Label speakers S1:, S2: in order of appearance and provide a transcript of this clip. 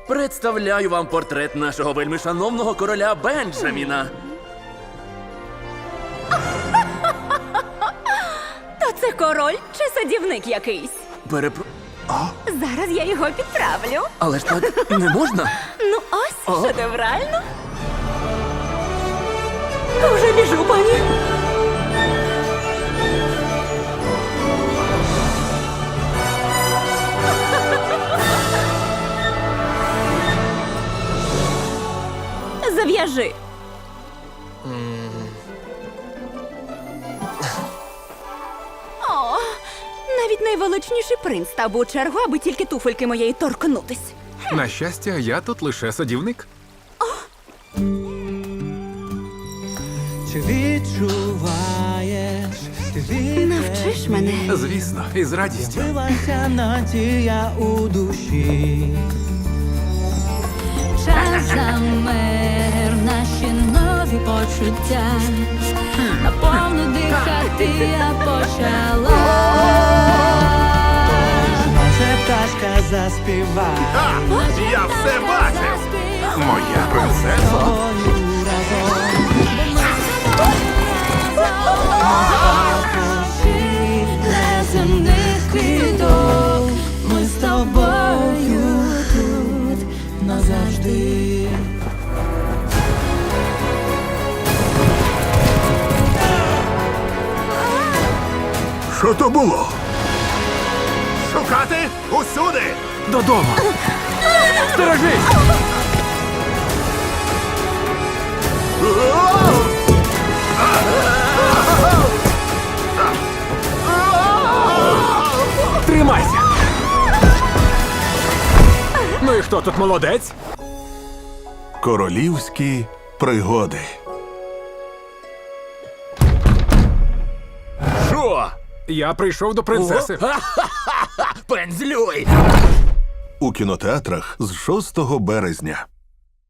S1: Представляю вам портрет нашого вельмишановного короля Бенджаміна.
S2: То це король чи садівник якийсь? Зараз я його підправлю.
S1: Але ж так не можна.
S2: Ну ось, шедеврально. Вже біжу, пані. Зав'яжи. О, навіть найвеличніший принц став у чергу, аби тільки туфельки моєї торкнутись.
S3: На щастя, я тут лише садівник.
S4: Чи відчуваєш, ти
S2: Навчиш мене.
S3: Звісно, із радістю.
S4: відбилася надія у душі.
S5: Час замер, наші нові почуття. Наповну дихати я почала.
S4: Може пташка заспіває
S3: Я все бачив! Моя принцеса.
S4: тобою разом.
S5: Неземних квіток,
S4: Ми з тобою тут назавжди.
S3: Що то було? Шукати усюди! Додому! Стережись! Тримайся! Ну і хто тут молодець?
S6: Королівські пригоди.
S1: Що?
S3: Я прийшов до принцеси.
S1: Пензлюй!
S6: У кінотеатрах з 6 березня.